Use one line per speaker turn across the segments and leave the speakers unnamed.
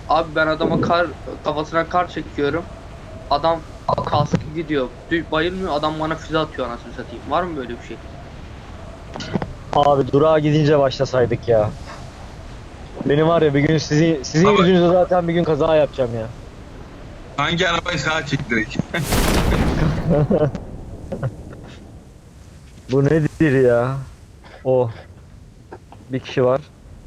Abi ben adama kafasına kar çekiyorum. Adam kaskı gidiyor. Bayılmıyor, adam bana füze atıyor anasını satayım. Var mı böyle bir şey?
Abi durağa gidince başlasaydık ya. Benim var ya bir gün sizin
Abi-
yüzünüzden zaten bir gün kaza yapacağım ya.
Hangi arabayı sağa çektirdik?
Bu nedir ya? O. Bir kişi var.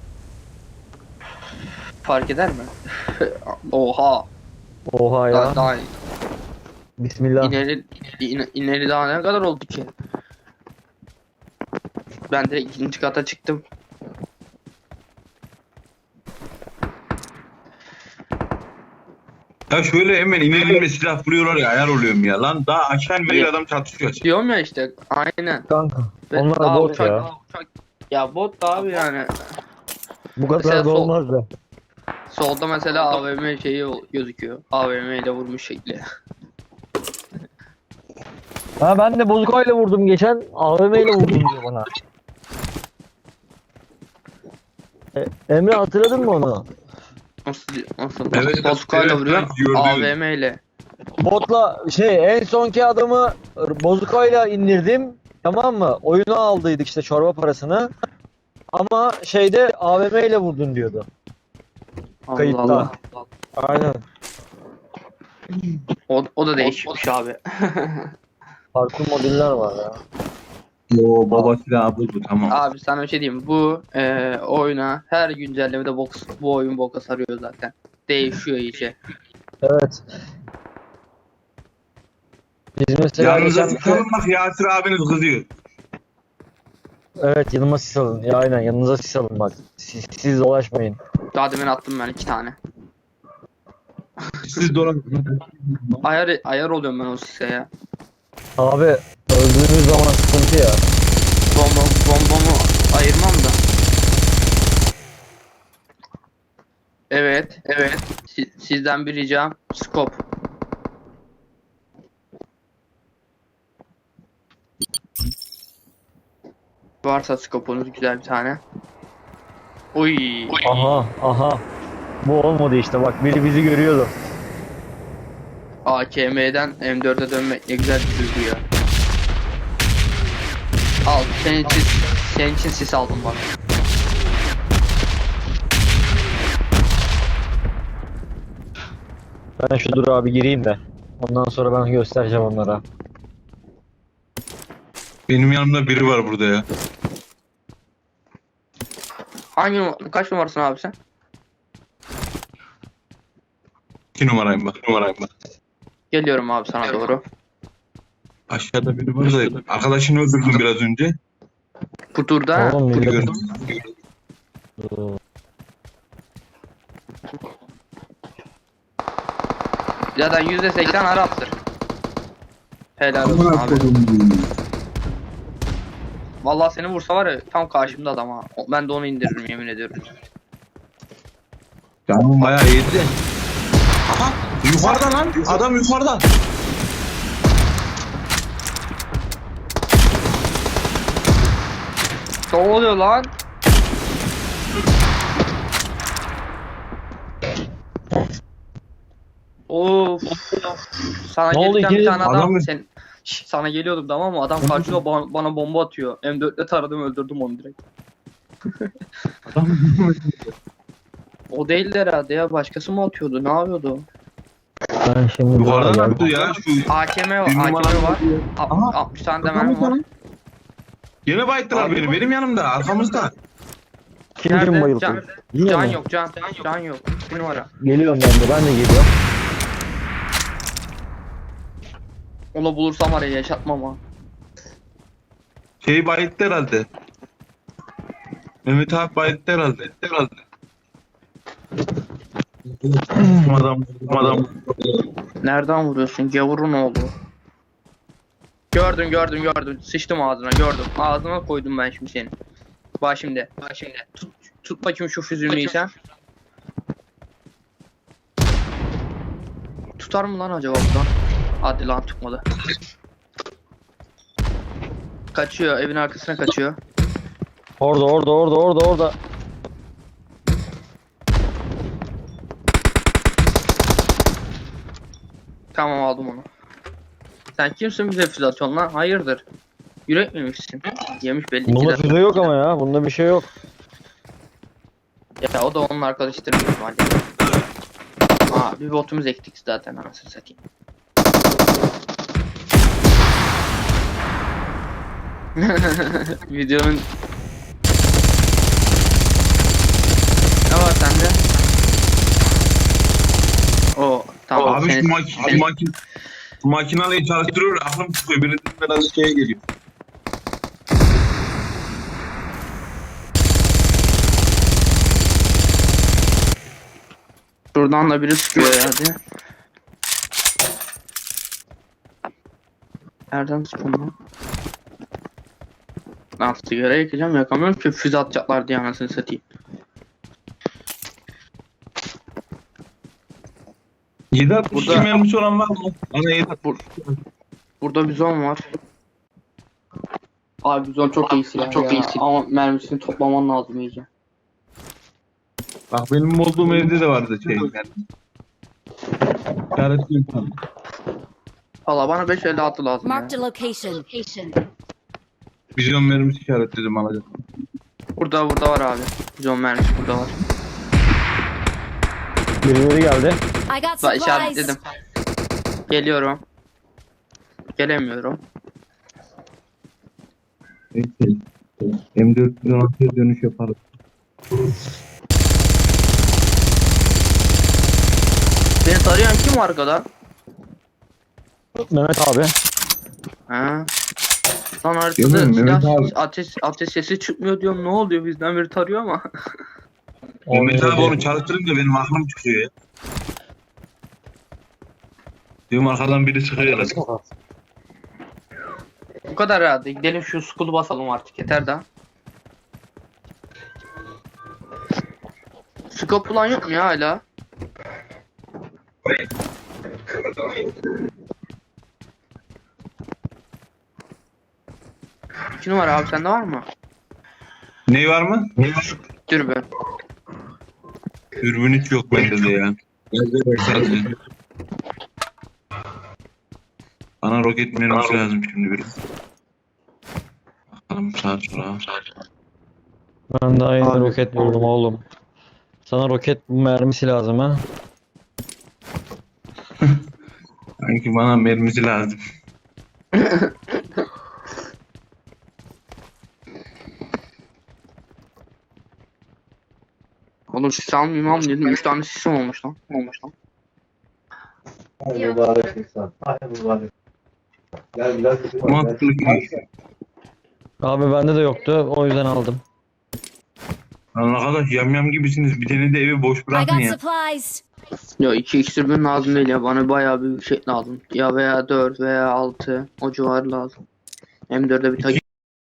Fark eder mi? Oha.
Oha ya.
Daha
Bismillah.
ineri daha ne kadar oldu ki? Ben de ikinci kata çıktım.
Ya şöyle hemen inelimle silah vuruyorlar ya, ayar oluyorum ya. Lan daha aşağı inmeyle adam çatışıyor.
Diyorum ya işte, aynen.
Kanka.
Ve
Onlar
daha
bot ya.
Ya bot da abi yani.
Bu kadar
Mesela
da olmaz be.
Solda mesela AVM şeyi gözüküyor. AVM ile vurmuş şekli.
Ha ben de bozukayla vurdum geçen. AVM ile vurdum diyor bana. Emre hatırladın mı onu?
Nasıl?
Evet,
Bozukayla
evet,
vuruyor.
ben gördüm.
AVM ile.
Botla en sonki adamı bozukayla indirdim. Tamam mı? Oyunu aldıydık işte çorba parasını. Ama şeyde AVM ile vurdun diyordu.
Allah
Kayıtta.
Allah.
Aynen.
O da değişmiş abi.
Farklı modüller var ya.
Yo baba silahı buldu, tamam.
Abi sana bir şey diyeyim. Bu oyuna her güncellemede bu oyun boka sarıyor zaten. Değişiyor iyice.
Evet. Biz mesela
Yanınıza
geçen
sıkalım bak, Yasir abiniz kızıyor.
evet yanıma sis alın. Ya aynen yanınıza sis alın bak. Siz dolaşmayın.
Daha demin attım ben 2 tane.
Siz dolan.
Ayar oluyorum ben o sise ya.
Abi öldüğünüz zaman sıkıntı ya.
Bombamı ayırmam da. Evet. Sizden bir ricam, scope. Varsa scope'unuz güzel bir tane. Uy.
Aha. Bu olmadı işte bak biri bizi görüyordu.
AKM'den M4'e dönmek ne güzel bir duygu ya. Al, senin için sis aldım bak.
Ben şu dur abi gireyim de. Ondan sonra ben göstereceğim onlara.
Benim yanımda biri var burada ya.
Kaç numarasın abi sen?
2 numarayım bak.
Geliyorum abi sana doğru.
Aşağıda biri var da arkadaşını öldürdüm biraz önce.
Bu turda
Oğlum
Biri
millet.
gördüm.
zaten %80 Arap'tır. Helal olsun abi. Vallahi seni vursa var ya, tam karşımda adam ha. Ben de onu indiririm, yemin ediyorum.
Canım bayağı iyiydi de. Aha! Yukarıda lan! Adam yukarıda!
Ne oluyor lan? Of. Sana
Ne oldu
gelirken bir
ikiniz-
tane adam
Adamı-
sana geliyordum tamam mı? Adam karşıma bana bomba atıyor. M4'le taradım, öldürdüm onu direkt.
Adam
O değildi herhalde ya. Başkası mı atıyordu? Ne yapıyordu?
Ben şimdi
yukarıdan
geldim.
attı ya. Şu
AKM var.
bir numara
AKM var.
Aha.
60 tane de mermi var.
Yine bayıttılar
Abi-
beni. Benim yanımda, arkamızda.
Kim
Nerede?
bayıldı? Yine
Can
mi?
yok. Can yok. Bir numara.
Geliyorum ben de geliyorum.
Onu bulursam var ya, yaşatmam ha.
Şey bayıttı herhalde. Mehmet abi bayıttı herhalde. Adam.
Nereden vuruyorsun? Gavurun oğlu. Gördüm. Sıçtım ağzına, gördüm. Ağzına koydum ben şimdi seni. Bak şimdi. Tut bakayım şu füzülmeyi sen. Tutar mı lan acaba buradan? Hadi lan, tutmadı. Kaçıyor, evin arkasına kaçıyor.
Orada.
Tamam aldım onu. Sen kimsin bize füze atıyorsun lan? Hayırdır? Yürek mi yemişsin? Yemiş belli ki
Bunda
de.
füze yok ama ya. Bunda bir şey yok.
Ya o da onun arkadaşıdır büyük ihtimalle. Aa bir botumuz ektik zaten anasını satayım. Videonun ne var sende? O tamam.
Abi
seni-
şu makineyi çalıştırıyor, aklım çıkıyor. Birinin biraz şeye geliyor.
Şuradan da biri sıkıyor ya hadi. Nereden sıkıyor lan? Lan sigara yakacağım yakamıyorum ki füze atacaklar diye anasını satayım.
7.62
Burada-
mermisi olan var mı? Bana 7.
Burada bizon var. Abi bizon çok iyi silah ya. Ama mermisini toplaman lazım iyice.
Bak benim olduğum evde de vardı şey. Yani. İşaretli.
Valla bana 5.56 lazım ya.
Marked a location.
Vizyon mermisi işaretledim alacağım.
Burada var abi. Bizon mermisi burada var.
Birileri geldi.
I got
Bak
supplies.
işaretledim. Geliyorum. Gelemiyorum.
Neyse. M416'ya dönüş yaparız.
Beni tarayan kim arkada?
Mehmet abi.
Ha. Lan
Değil
haritada
mi? Mehmet
silah
abi.
ateş sesi çıkmıyor diyorum ne oluyor bizden biri tarıyor ama.
Mehmet abi onu çalıştırınca benim aklım çıkıyor ya. Diyorum arkadan biri çıkıyor herhalde.
Bu kadar herhalde. Gidelim şu school'u basalım artık yeter daha. Scope falan yok mu ya hala? İki numara abi sende var mı?
Ney var mı?
Dürbün.
Dürbün hiç yok bende de ya. Sadece. Bana roket mermisi lazım şimdi biri. Bakalım sağa sola.
Ben daha yeni
Abi.
roket buldum oğlum. Sana roket mermisi lazım ha.
Sanki bana mermisi lazım.
Oğlum sis almayayım am dedim. 3 tane sisim olmuş lan.
Mübarek insan. Ay mübarek. Gel biraz
Mantıklı ki.
Abi bende de yoktu. O yüzden aldım.
Lan arkadaş yamyam gibisiniz. Bir tane de evi boş
I
bırakın
got
ya.
supplies.
Ya 2x dürbün lazım değil ya. Bana bayağı bir şey lazım. Ya veya 4 veya 6 o civarı lazım. M4'e bir tak.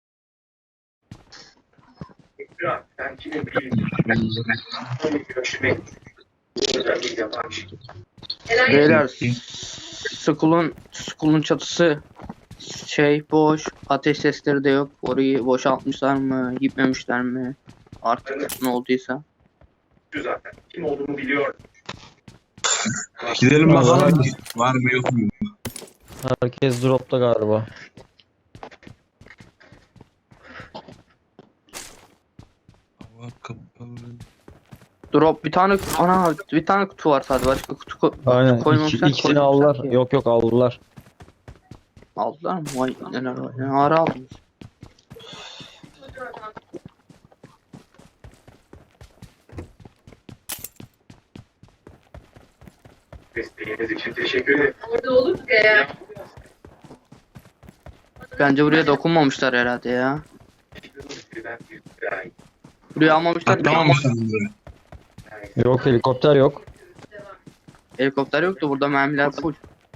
Beyler school'un çatısı boş. Ateş sesleri de yok. Orayı boşaltmışlar mı? Gitmemişler mi? Artık ne olduysa.
zaten. Kim olduğunu biliyor.
Gidelim bakalım. Var mı yok mu?
Herkes dropta galiba.
Hava kapalı.
Drop bir tane bir tane kutu var sadece başka kutu
Aynen.
koymamışlar.
İkisini aldılar. Yok aldılar.
Aldılar mı? Vay neler var. Ne ara aldınız?
Desteğiniz için teşekkür ederim.
Orada olduk ya.
Bence buraya dokunmamışlar herhalde ya. Buraya almamışlar.
Atlamamışsınız böyle.
Yok helikopter yok.
Helikopter yoktu burada mermiler full.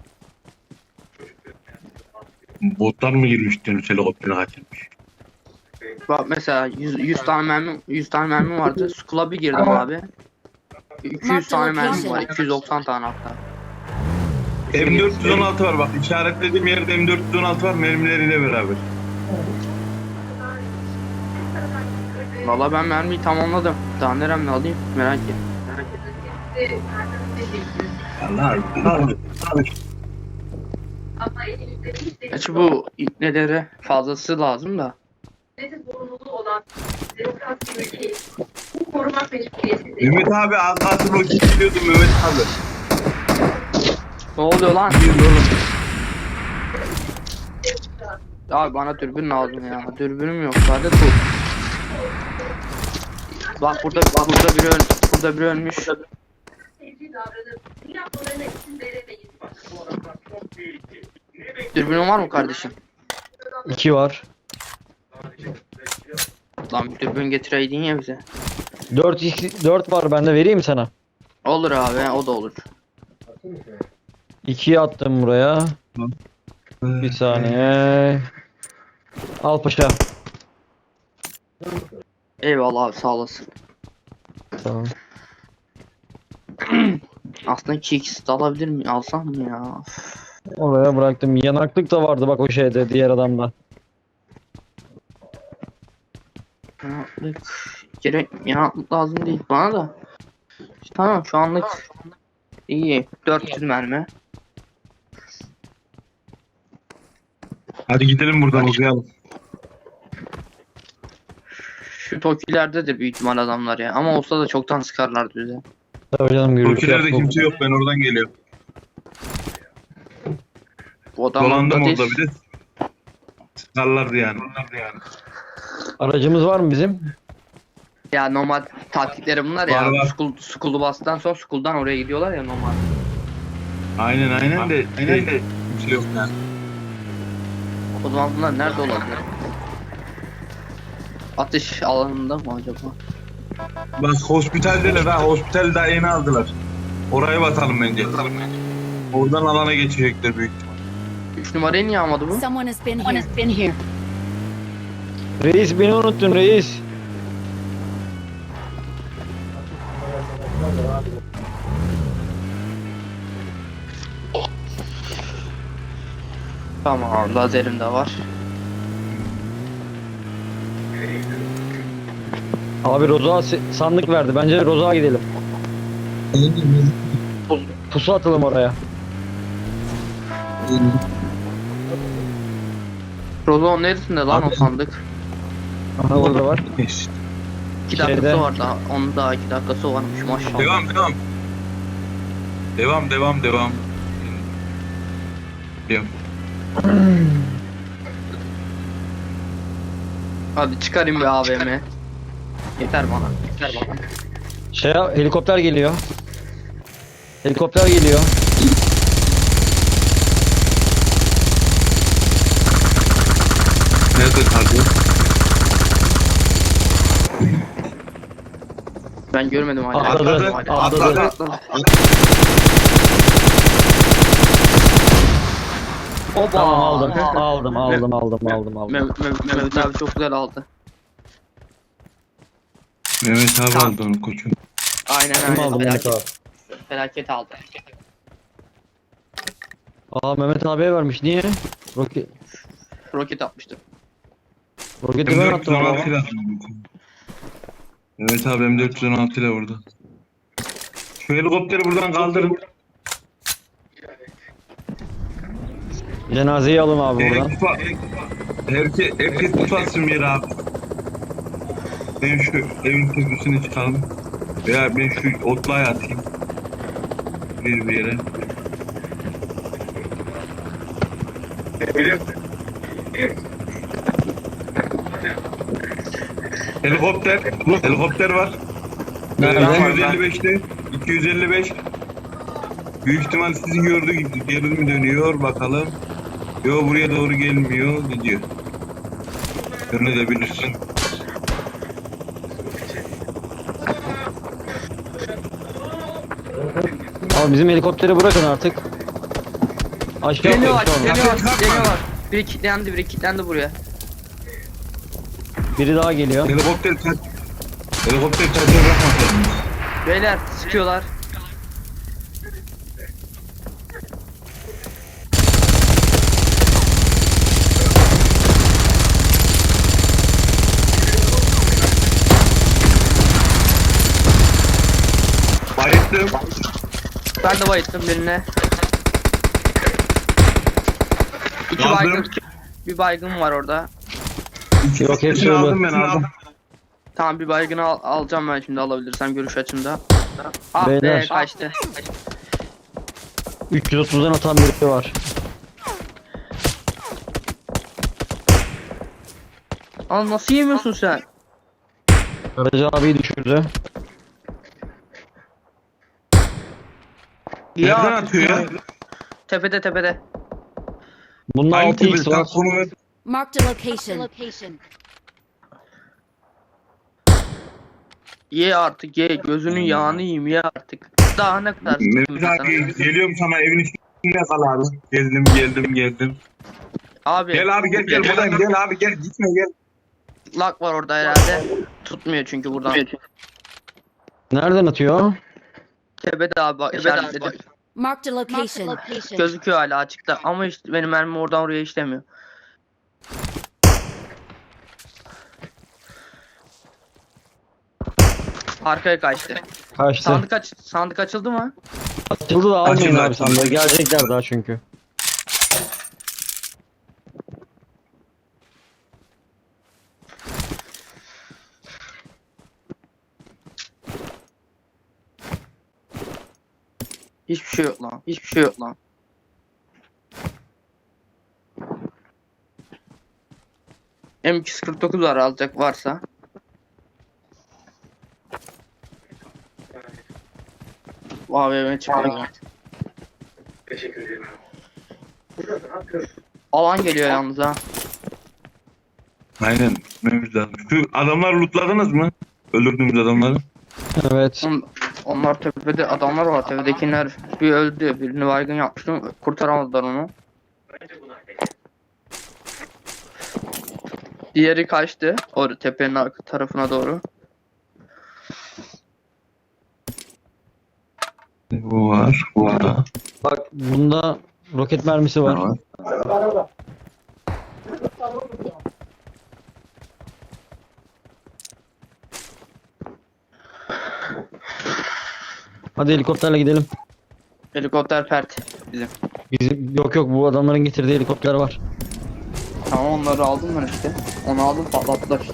Botlar mı girmiş diyorsun helikopteri kaçırmış.
Bak mesela 100 tane mermi vardı. School'a bir girdim abi. 200 tane mermi var. 290 tane hatta.
M416 var bak işaretlediğim yerde M416 var mermileriyle beraber.
Valla ben mermiyi tamamladım. Daha neremle alayım merak et.
Allah Allah.
Gerçi bu ipnelere fazlası lazım da.
Zorunluluğu olan demokrasi bir ülkeyi bu korumak mecburiyeti
Mehmet abi az kalsın o gidiyordu Mehmet abi.
Ne oluyor lan?
Gidiyordu oğlum.
Abi bana dürbün lazım ya. Dürbünüm yok. Sadece bu. Bak burada biri ölmüş.
sevgi davranıp bu yapmalarına izin veremeyiz.
Dürbünün var mı kardeşim?
2 var.
Lan bir dürbün getireydin ya bize.
4 var bende, vereyim mi sana?
Olur abi, o da olur.
2'yi attım buraya. Bir saniye. Al paşa.
Eyvallah abi, sağ olasın.
Tamam.
Aslında 2x de alabilir miyim? Alsam mı ya?
Oraya bıraktım. Yanaklık da vardı bak o şeyde, diğer adamda.
Yanaklık. Yanaklık lazım değil bana da. Tamam, şu anlık iyi. 400 mermi.
Hadi gidelim buradan uzayalım.
Şu Toki'lerdedir büyük ihtimal adamlar ya. Ama olsa da çoktan sıkarlardı bize.
Tabii canım, gürültü
Türkiye'de
yaptı.
kimse yok, ben oradan geliyorum.
Bu adam
Dolandım
burada
orada
değil.
bir de. Sıkarlardı yani.
Aracımız var mı bizim?
Ya normal taktikleri bunlar ya.
Var, var.
School'u bastıktan sonra school'dan oraya gidiyorlar ya normal.
Aynen de. Kimse yok yani.
O zaman bunlar nerede olabilir? Atış alanında mı acaba?
Bak hospitaldeler ha, hospital daha yeni aldılar. Oraya batalım bence. Oradan alana geçecekler büyük ihtimal.
3 numarayı niye almadı bu?
Someone has been here.
Reis, beni unuttun reis.
Tamam, lazerim de var.
Abi Roza sandık verdi. Bence Roza'ya gidelim. Pusu atalım oraya.
Rozon neresinde lan o sandık?
Aha, orada var.
2 dakikası
Şeyde.
var daha. Onun daha 2 dakikası varmış maşallah.
Devam. Devam.
Hadi çıkarayım bir AVM. Yeter bana.
Helikopter geliyor. Helikopter geliyor.
Nerede kaldı?
Ben görmedim hala.
Atladı.
Atladı.
Oba.
Tamam, aldım.
Mehmet abi çok güzel aldı.
Mehmet abi aldı onu koçum.
Aynen
Kim aldı Mehmet abi?
Felaket aldı.
Aa, Mehmet abiye vermiş. Niye?
Roket atmıştı.
Roketi ben attım ama.
M416 ile attım. Mehmet abi M416 ile vurdu. Şu helikopteri buradan kaldırın.
Cenazeyi alın abi buradan.
Herkes tutarsın bir abi. Ben şu evin tepesine çıkalım. Veya ben şu otluğa atayım. Bir yere. Helikopter var.
Nerede?
255'te. 255. Büyük ihtimal sizi gördüğü gibi geri mi dönüyor bakalım. Yo, buraya doğru gelmiyor, gidiyor. Yönetebilirsin.
Abi bizim helikopteri bırakın artık. Aşağı
Deniyorlar,
atlayın sonra.
deniyorlar. Biri kilitlendi buraya.
Biri daha geliyor.
Helikopter kaçıyor, bırakmasın.
Beyler sıkıyorlar.
Bayıttım.
Ben de bayıttım birine. İki
Aldım.
baygın. Bir baygın var orada.
Yok, hepsi
İkisini
ölü.
aldım ben aldım.
Tamam bir baygını alacağım ben şimdi alabilirsem görüş açımda. Ah be
Beyler.
kaçtı.
330'dan atan biri var.
Lan nasıl yemiyorsun sen?
Karaca abiyi düşürdü.
Nereden
Ya
atıyor ya?
tepede.
Bunda
Hangi
6x
tepesi? Tam
var.
konu ver.
Marked a location.
Ye artık ye gözünün yağını yiyeyim ye artık. Daha ne kadar
Mehmet
sıkıntı sana?
abi geliyorum sana evin içinde kal abi. Geldim.
Abi.
Gel abi gel buradayım gel abi gel gitme gel.
Lag var orada herhalde. Tutmuyor çünkü buradan.
Nereden atıyor?
Tepede abi bak işaretledim.
Marked a location.
Gözüküyor hala açıkta ama işte benim mermi oradan oraya işlemiyor. Arkaya kaçtı.
Kaçtı.
Sandık açıldı mı?
Açıldı da almayın
Açıldı,
abi
açıldı.
sandığı. Gelecekler daha çünkü.
Hiçbir şey yok lan. Hiçbir şey yok lan. M249 var alacak varsa. AVM çıkıyor.
Teşekkür ederim.
Alan geliyor yalnız ha.
Aynen. Mehmet abi. Şu adamları lootladınız mı? Öldürdüğümüz adamları.
Evet.
Onlar tepede adamlar var. Tepedekiler bir öldü. Birini baygın yapmıştım. Kurtaramadılar onu. Diğeri kaçtı. Orada tepenin arka tarafına doğru.
Bu var. Burada.
Bak bunda roket mermisi var.
Var.
Hadi helikopterle gidelim.
Helikopter pert bizim.
Bizim yok bu adamların getirdiği helikopter var.
Tamam onları aldım ben işte. Onu aldım patlattılar işte.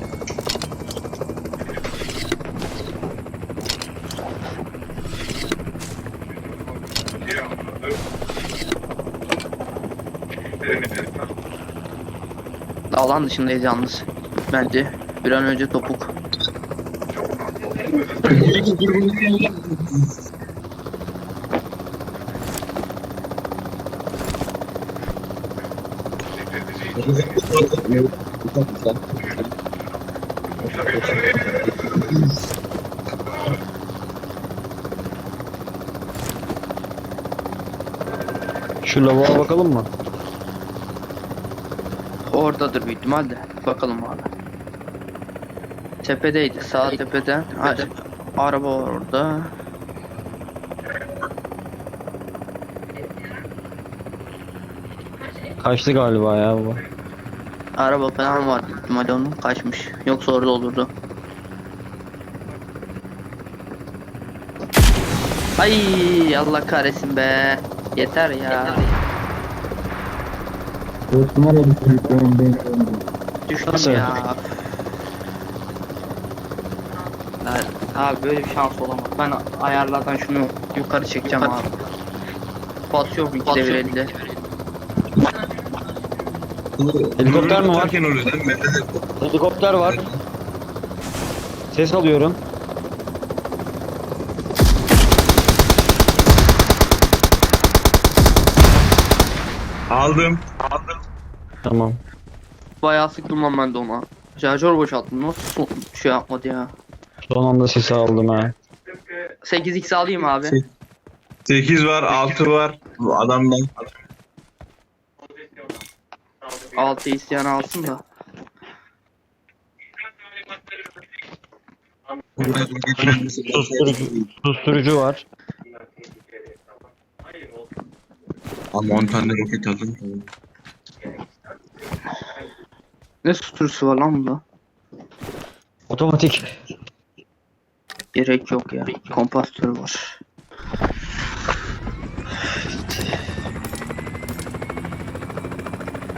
Alan dışındayız yalnız. Bence bir an önce topuk.
Şu lavuğa bakalım mı?
Oradadır büyük ihtimalle. Bakalım abi. Tepedeydi. Sağ tepeden. Hadi. Araba var orada.
Kaçtı galiba ya bu.
Araba falan var büyük ihtimalle onun. Kaçmış. Yoksa orada olurdu. Ay Allah kahretsin be. Yeter ya. Düştüm
Nasıl?
ya. Abi böyle bir şans olamaz. Ben ayarlardan şunu yukarı çekeceğim abi. Basıyorum 2 devir elde.
Helikopter mi var?
Tutarken oluyor değil mi?
Helikopter var. Ses alıyorum.
Aldım.
Tamam.
Bayağı sıktım lan ben de ona. Şarjör boşalttım. Nasıl şey yapmadı ya.
Son anda sesi aldım ha.
8x alayım abi.
8 var 6 var. Bu adamdan.
6 isteyen alsın da.
Susturucu var.
Ama 10 tane roket aldım.
Ne susturusu var lan bunda?
Otomatik.
Gerek yok ya. Kompastör var.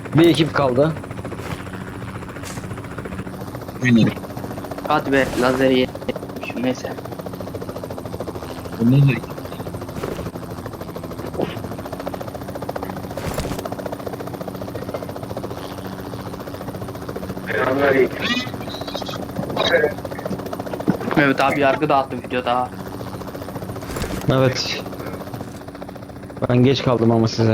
Bir ekip kaldı.
Aynen.
Hadi be lazeri yedim. Neyse.
Ondan da
Mehmet abi yargı dağıttı videoda.
Evet. Ben geç kaldım ama size.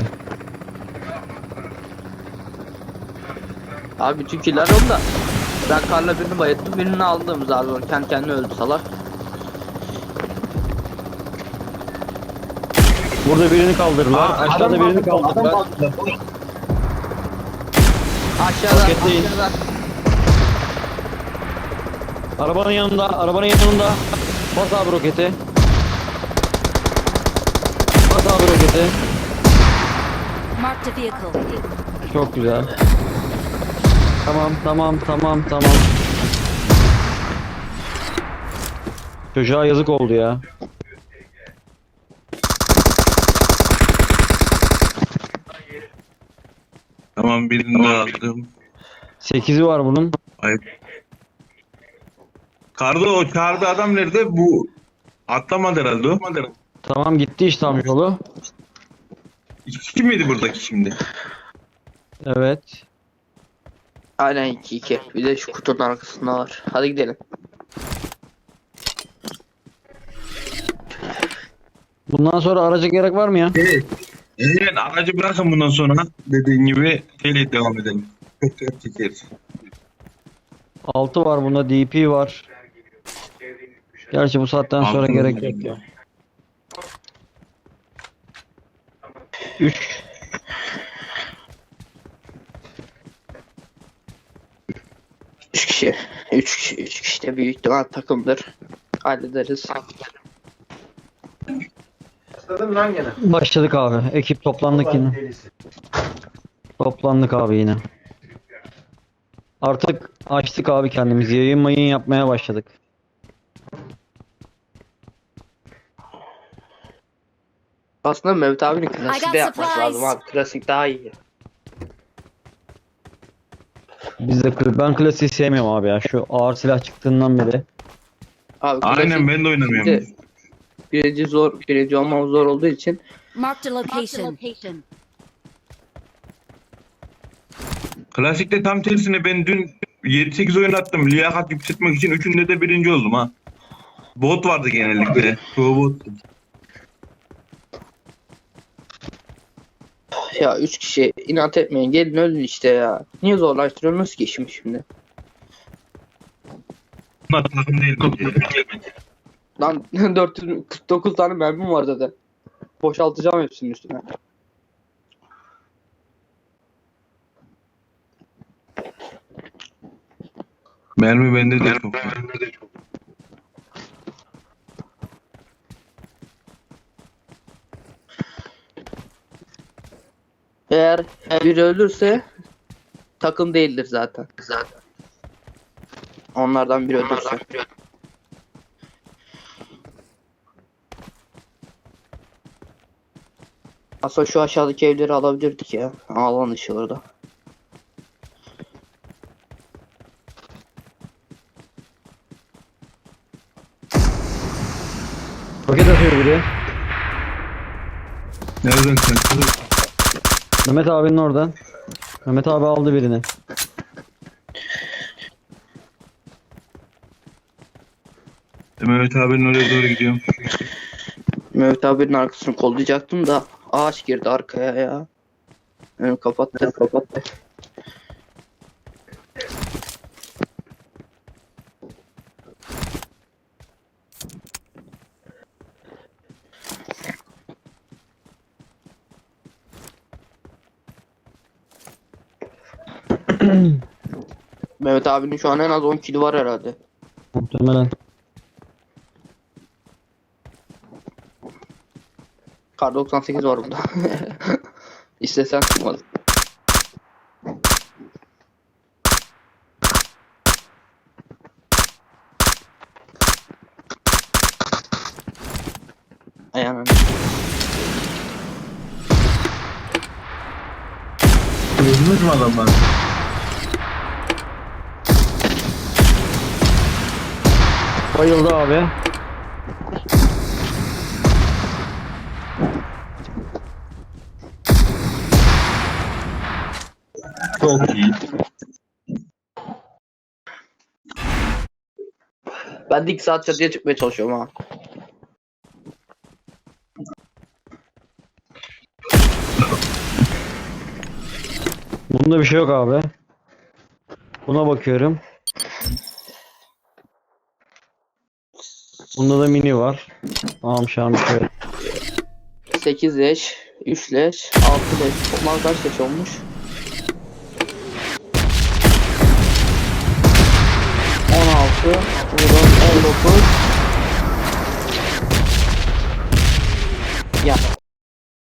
Abi bütün killer onda. Ben karla birini bayılttım, birini aldım zar zor. Kendi kendine öldü salak.
Burada birini kaldırdılar. Aşağıda birini kaldırdılar.
Aşağıda,
Paketleyin.
aşağıda.
Arabanın yanında, arabanın yanında. Bas abi roketi. Bas abi roketi.
Marked a vehicle.
Çok güzel. Tamam. Çocuğa yazık oldu ya.
tamam birini de aldım.
8'i var bunun.
Ayıp. Kardo o çağırdı adam nerede? Bu atlamadı herhalde o.
Tamam gitti işte amcaoğlu.
İki kişi miydi buradaki şimdi?
Evet.
Aynen 2-2. Bir de şu kutunun arkasında var. Hadi gidelim.
Bundan sonra araca gerek var mı ya?
Evet. Evet aracı bırakın bundan sonra dediğin gibi şeyle devam edelim. Çok çekeriz.
6 var bunda, DP var. Gerçi bu saatten sonra
Altı
gerek
var.
yok ya. 3.
Üç kişi. 3 kişi de büyük ihtimal takımdır. Hallederiz.
Başladın lan gene.
Başladık abi. Ekip toplandık yine.
Delisi.
Toplandık abi yine. Artık açtık abi kendimizi. Yayın mayın yapmaya başladık.
Aslında Mehmet abinin
I
klasik
got
de yapması
supplies.
lazım abi. Klasik daha iyi.
Biz de ben klasiği sevmiyorum abi ya. Şu ağır silah çıktığından beri.
Abi
Aynen ben de oynamıyorum.
şimdi birinci zor, birinci olmamız zor olduğu için
Marked a location.
Klasikte tam tersine ben dün 7-8 oyun attım. Liyakat yükseltmek için üçünde de birinci oldum ha. Bot vardı genellikle. Çoğu bot.
ya 3 kişi inat etmeyin gelin ölün işte ya. Niye zorlaştırıyorsunuz ki işimi şimdi?
Bunlar takım değil bence.
Lan 449 tane mermim var zaten. Boşaltacağım hepsinin üstüne.
Mermi bende de çok.
Eğer biri ölürse takım değildir zaten. Onlardan biri ölürse. Aslında şu aşağıdaki evleri alabilirdik ya. Alan dışı orada.
Roket atıyor biri.
Nereden sen?
Mehmet abinin oradan. Mehmet abi aldı birini.
Mehmet abinin oraya doğru gidiyorum.
Mehmet abinin arkasını kollayacaktım da ağaç girdi arkaya ya. Önümü kapattı. Mehmet abinin şu an en az 10 kili var herhalde.
Muhtemelen.
Kar 98 var bunda. İstesen çıkmaz. Ayağına.
Gördünüz mü adamları?
Bayıldı abi.
Çok iyi.
Ben de 2 saat çatıya çıkmaya çalışıyorum ha.
Bunda bir şey yok abi. Buna bakıyorum. Bunda da mini var. Tamam şu an bir şey yok.
8 leş, 3 leş, 6 leş. Toplam kaç leş olmuş? 16, buradan 19. Ya